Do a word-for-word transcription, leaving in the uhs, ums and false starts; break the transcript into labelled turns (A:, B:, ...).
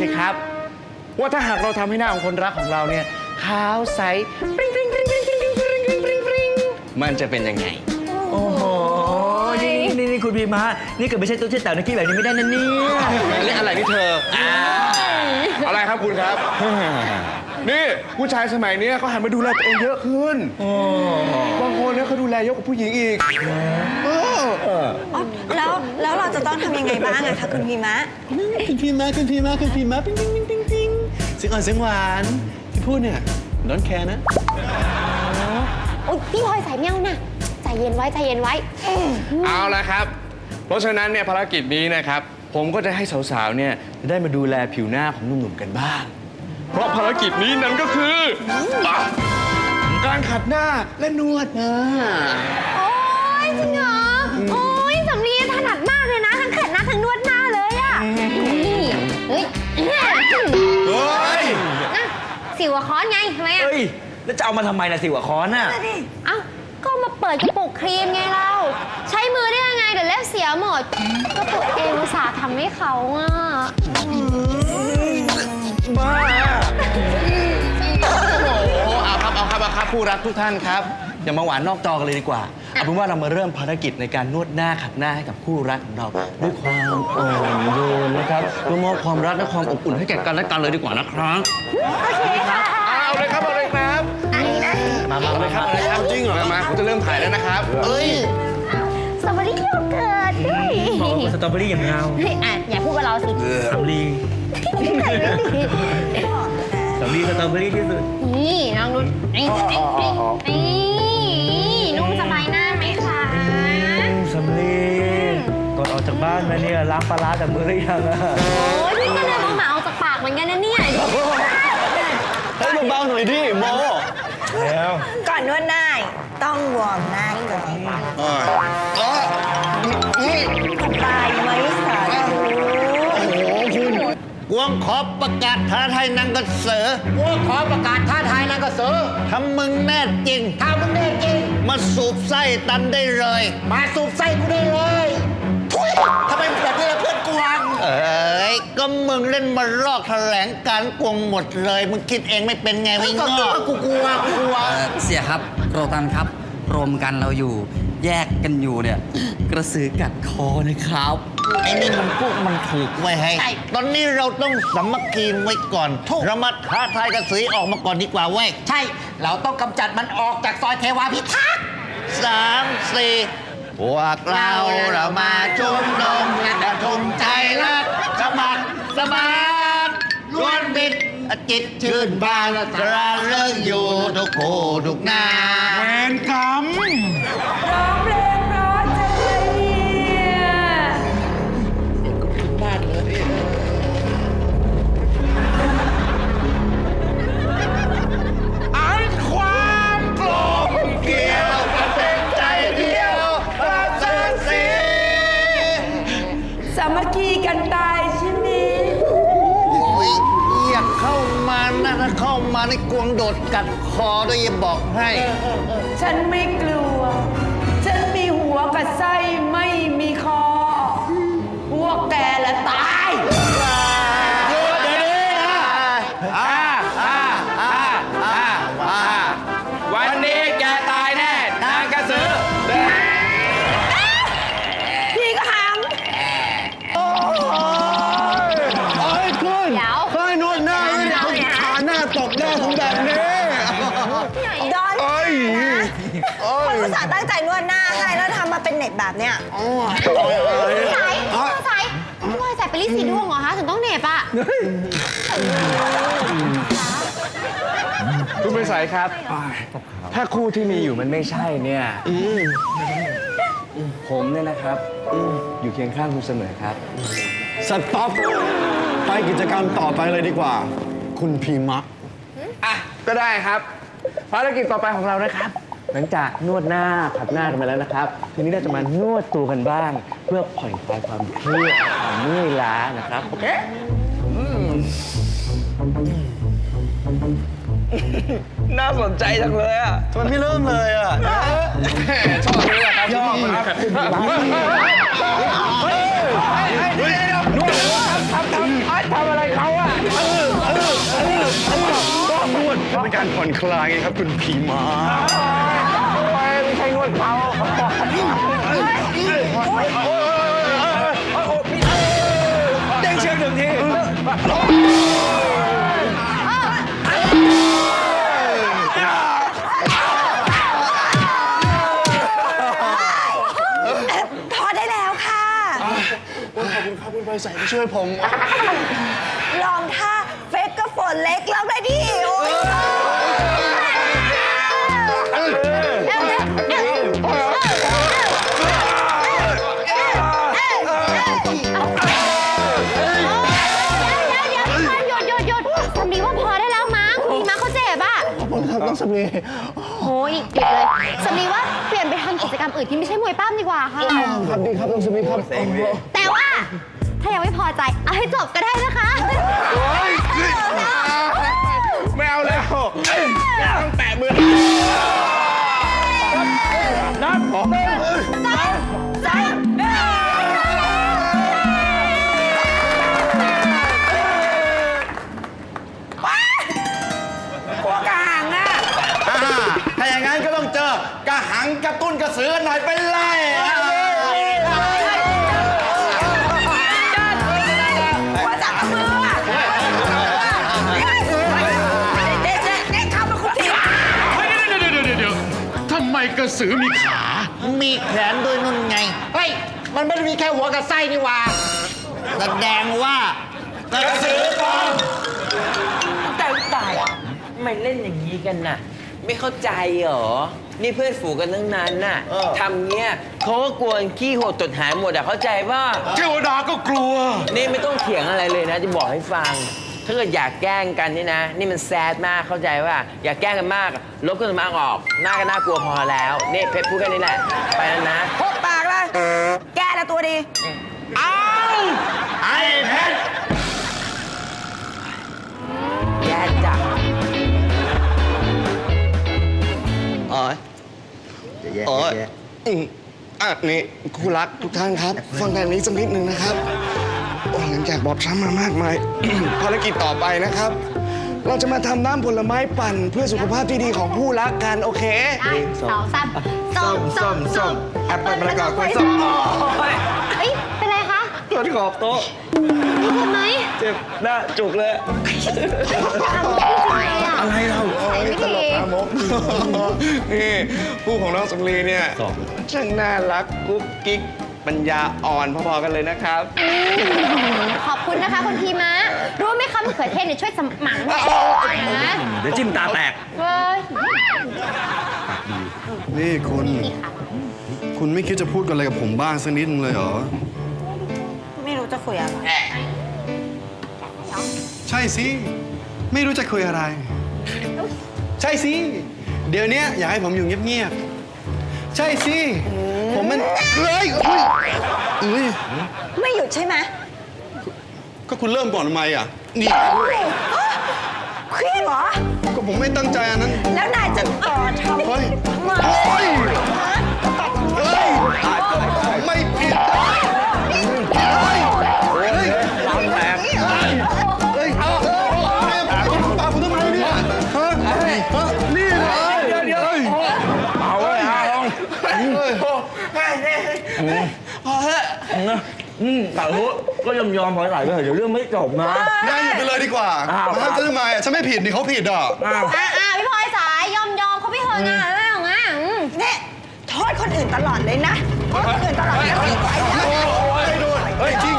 A: สิครับว่าถ้าหากเราทำให้หน้าของคนรักของเราเนี่ยขาวใสปริ้งปริ้งปริ้งปริ้งปริ้งปริ้งปริ้งปริ้งปริ้งมันจะเป็นยังไง
B: โอ้โหนี่นี่นี่คุณพีมานี่เกิดไม่ใช่ตัวเช่นแต่ในกี้แบบนี้ไม่ได้นะเนี่ย
A: เล่นอะไรนี่เธออะไรครับคุณครับนี่ผู้ชายสมัยนี้เขาหันมาดูแลตัวเองเยอะขึ้นบางคนเนี่ยเขาดูแลเยอะกว่าผู้หญิงอีก
C: แล้วแล้วเราจะต้องทำยังไงบ้างอะคะคุณพีมะ
D: คุณพีมะคุณพีมะคุณพีมะปิ๊งปิ๊งปิ๊งปิ๊งปิ๊งเสียงอ่อนเสียงหวานที่พูดเนี่ยน้องแคร์นะ
E: โอ๊ยพี่พลอยสายเมียวน่ะใจเย็นไว้ใจเย็นไว้
A: เอาละครับเพราะฉะนั้นเนี่ยภารกิจนี้นะครับผมก็จะให้สาวๆเนี่ยได้มาดูแลผิวหน้าของหนุ่มๆกันบ้างเพราะภารกิจนี้นั้นก็คือการขัดหน้าและนวดหน้า
E: โอ๊ยจริงเหรอโอ๊ยสำลีถนัดมากเลยนะทั้งขัดหน้าทั้งนวดหน้าเลยอะนี่เฮ้ย
A: เฮ้ย
E: สิวค้อนไงทำไมอะ
B: เฮ้ยแล้วจะเอามาทำไมล่ะสิวะค้อนน่ะ
E: เอ้าก็มาเปิดกระปุกครีมไงเราใช้มือได้ยังไงเดี๋ยวเล็บเสียหมดก็ตัวเองอุตส่าห์ทำให้เขาอะ
A: บ้าโอ้เอาครับเอาครับเอาครับผู้รักทุกท่านครับอย่ามาหวานนอกจอกันเลยดีกว่าเอาเป็นว่าเรามาเริ่มภารกิจในการนวดหน้าขัดหน้าให้กับคู่รักของเราด้วยความอ่อนโยนนะครับเพื่อมอบความรักและความอบอุ่นให้แก่กันและกันเลยดีกว่านะครับ
E: โอเคค่ะ
A: เอาเลยครับเอาเลยครับมามาเลยครับเลยครับจริงเหรอมาผมจะเริ่มถ่ายแล้วนะครับเอ้ย
E: สตรอเบอรี่โยเกิร์ต
B: สตรอเบอรี่อย่างเงา
E: อ่ะอย่าพูดกับเราสิ
B: สำลีสำลีสตรอเบอรี่ที่สุด
E: นี่น้องนุ่นนี่นี่นุ่มสบายหน้าไหมคะ
B: สำลีก่อนออกจากบ้านมาเนี่ยล้างปลาร้าจากมือหรือยังอะ
E: โอ้ยพี่ก็เลยต้องหมาออกจากปากเหมือนกันนะเนี่ย
D: ให้เบาๆหน่อยดิโม
B: แล้ว
C: ก่อนนวดหน้าต้องวอร์มหน้าก่อนสบายไหมสาธุ
D: กวงขอประกาศท้าทายนางกระเสือกวงขอประกาศท้าทายนางกระเสือถ้ามึงแน่จริงถ้ามึงแน่จริงมาสูบไส้ตันได้เลยมาสูบไส้กูได้เลยทุยทำไมแบบนี้ล่ะเพื่อนกวงเอ้ยก็มึงเล่นมาลอกแถลงการกวงหมดเลยมึงคิดเองไม่เป็นไงวิงก็กูกลัวกูกลัว
F: เสียครับโรตันครับรวมกันเราอยู่แยกกันอยู่เนี่ยกระสือกัดคอนะครับ
D: ไอ้นี่มันพวกมันถูกไว้ให้ตอนนี้เราต้องสามัคคีไว้ก่อนเรามาท้าทายกระสือออกมาก่อนดีกว่าเว้ย
F: ใช่เราต้องกำจัดมันออกจากซอยเทวาพิทักษ์
D: สามสี่พวกเราเรามาชุมนุมระดมใจรักสมัครสมานล้วนบิดจิตชื่นบานสระเลิกอยู่ทุกโคทุกนา
A: เวรกรรม
C: ร้องเพลงเพราะจังเลยเนี่ย
D: บ้านเลย
A: อันความโกรธเกี่ยวกันเป็นใจเดียวรักเธอสิ
C: สามัคคีกันตายใช่ไหม
D: อยากเข้ามานะถ้าเข้ามาในกวงโดดกัดคอด้วยอย่าบอกให้
C: ฉันไม่กลัวฉันมีหัวกับไส้ไม่มีคอพวกแกละตาย
D: หยุดเดี๋ยวนี้นะอ่าอ่าอ่าอ่าอ่า
A: วันนี้แกตายแน่นางกระสือ
C: พี่ก็หาม
D: โอ้ยคุณเฮ้ยนวดหน้าเนี่ยเขาขาหน้าตบหน้าผมแบบนี้
C: ดอน
D: เอ้ย
C: คนอุตส่าห์ตั้งใจนวดหน้าให้แล้วทำมาเป็นเน็ตแบบเนี้ย
E: พี่สายพี่สายพี่พลอยสายไปรีดสีดวงเหรอคะถึงต้องเหน็บอ่ะ
A: คุณเป็นสายครับถ้าคู่ที่มีอยู่มันไม่ใช่เนี่ยผมเนี่ยนะครับอยู่เคียงข้างคุณเสมอครับ
D: สต็อปไปกิจกรรมต่อไปเลยดีกว่าคุณพีมะ
A: อ่ะก็ได้ครับภารกิจต่อไปของเรานะครับหลังจากนวดหน้าขัดหน้ากันไปแล้วนะครับทีนี้เราจะมานวดตัวกันบ้างเพื่อผ่อนคลายความเครียดความเมื่อยล้านะครับโอเคน่าสนใจจังเลยอ่ะ
D: ทำไมไม่เริ่มเลยอ่ะ
A: ชอบเลยครับชอบครับเฮ้ยเฮ้ยเฮ้ยนวดทำทำทำอะไรเขาอ่ะการผ่อนคลายไงครับคุณผีม้า
B: ไม่ใช่นวดเขา เด้งเชือกหนึ่งที
E: พอได้แล้วค่ะ
A: ขอบคุณครับคุณไฟใสที่ช่วยผม
E: ลองท่าเฟกกับฝนเล็กแล้วได้ดิโอ้ยหยุดหยุดหยุดสำลีว่าพอได้แล้วมั้งคุณพีม้าเขาเจ็บอ่ะ
B: ครับต้องสำลี
E: โอ้ยหยุดเลยสำลีว่าเปลี่ยนไปทำกิจกรรมอื่นที่ไม่ใช่มวยปั้มดีกว่าค่ะ
B: ครับดีครับต้องสำลีครับ
E: แต่ว่าถ้ายังไม่พอใจเอาให้จบก็ได้นะคะ
A: ไม่เอาแล้วต้องแตะมือ
B: นับหนึ่ง
E: สามสาม
C: พวกกระหังอ่ะ
D: อ่าถ้าอย่างนั้นก็ต้องเจอกระหังกระตุ้นกระสือกันหน่อยเป็นไรอ่ะ
C: หัวจับกับมืออ่ะเด็กเด็กเข้ามาคุณที
A: เดี๋ยวเดี๋ยวเดี๋ยวเดี๋ยวทำไมกระสือมีขา
D: มีแขนด้วยนุ่นไง เฮ้ย มันไม่ได้มีแค่หัวกับไส้นี่หว่าแสดงว่ากระสือปลอม
G: ตายตายทำไมเล่นอย่างนี้กันน่ะ ไม่เข้าใจเหรอ นี่เพื่อนฝูงกันทั้งนั้นน่ะทำเงี้ยเขาก็กลัวขี้หดตดหายหมดอะเข้าใจป่ะ
A: เทวดาก็กลัว
G: นี่ไม่ต้องเถียงอะไรเลยนะ จะบอกให้ฟัง ถ้าเกิดอยากแกล้งกันนี่นะ นี่มันแซดมากเข้าใจว่า อยากแกล้งกันมากลบกันมากออก หน้าก็น่ากลัวพอแล้วนี่เพชรพูดแค่นี้แหละ ไปแล้วนะ
C: พบปากเลยแกละตัวดี
D: ไอ้เพชร
G: แย่จัง
A: อ๋อยอ๋อยอืมอ่ะนี่คู่รักทุกท่านครับ ฟังทางนี้สักนิดหนึ่งนะครับโอ้หลังจากบอบช้ำมามากมาย ภารกิจต่อไปนะครับ เราจะมาทำน้ำผลไม้ปั่นเพื่อสุขภาพที่ดีของคู่รักกัน โอเค
E: ได้สองสามส้มส้มส้ม
A: แอปเปิ้ลมะละกอกล้วยส้ม
E: เอ้ยเป็นไรคะ
B: ตัวที่ขอบโต๊ะ
E: มีเจ็บไหม
B: เจ็บหน้าจุกเลย
E: อะไรเราไม่ดี
A: นี่คู่ของน้องสำลีเนี่ยช่างน่ารักกุ๊กกิ๊กปัญญาอ่อนพอๆกันเลยนะครับ
E: ขอบคุณนะคะคุณพีมะรู้ไหมคะมะเขือเทศเนี่ยช่วยสมองแม่นะ
B: เดี๋ยวจิ้มตาแตก
E: เว้ย
H: นี่คุณ
E: นี่ค่ะ
H: คุณไม่คิดจะพูดกันอะไรกับผมบ้างสักนิดนึงเลยเหรอ
C: ไม่รู้จะคุยอะไร
H: ใช่สิ ไม่รู้จะคุยอะไร ใช่สิ เดี๋ยวนี้อยากให้ผมอยู่เงียบๆ ใช่สิ ผมมันเฮ้ยเฮ้ยเอ้ย
C: ไม่หยุดใช่ไหม
H: ก็คุณเริ่มก่อนทำไมอ่ะ นี่
C: เครียดเหรอ
H: ก็ผมไม่ตั้งใจอันนั้น
C: แล้วนายจะต่อทำ
H: เฮ้ย
C: ทำไม
H: โอ้ยเฮ้ย ไม่ผิดเฮ้ยเฮ้ยร้านแตกเฮ้ยเอาตาผมทำไมเนี่ยฮะฮะนี่เลย
B: เดี๋ยวเดี๋ยว เอาไว้เอาลอง
A: พอเถอะ
B: อืมแต่รู้ก็ยอมยอมๆพอไหลไปเถอะเดี๋ยวเรื่องไม่จบนะ
H: ได้หยุดไปเลยดีกว่า
B: อ้าว
H: มาจะทำไมอ่ะฉันไม่ผิดนี่เขาผิดอ่ะ
B: อ้าว
E: อ่าอ่าพี่พลอยสายยอมยอมเขาไม่เหินอ่ะเรื่องอ่ะอืม
C: เนี่ยโทษคนอื่นตลอดเลยนะโทษคนอื่นตลอดเลยไม่ไหวแล้ว
H: เฮ้ยที่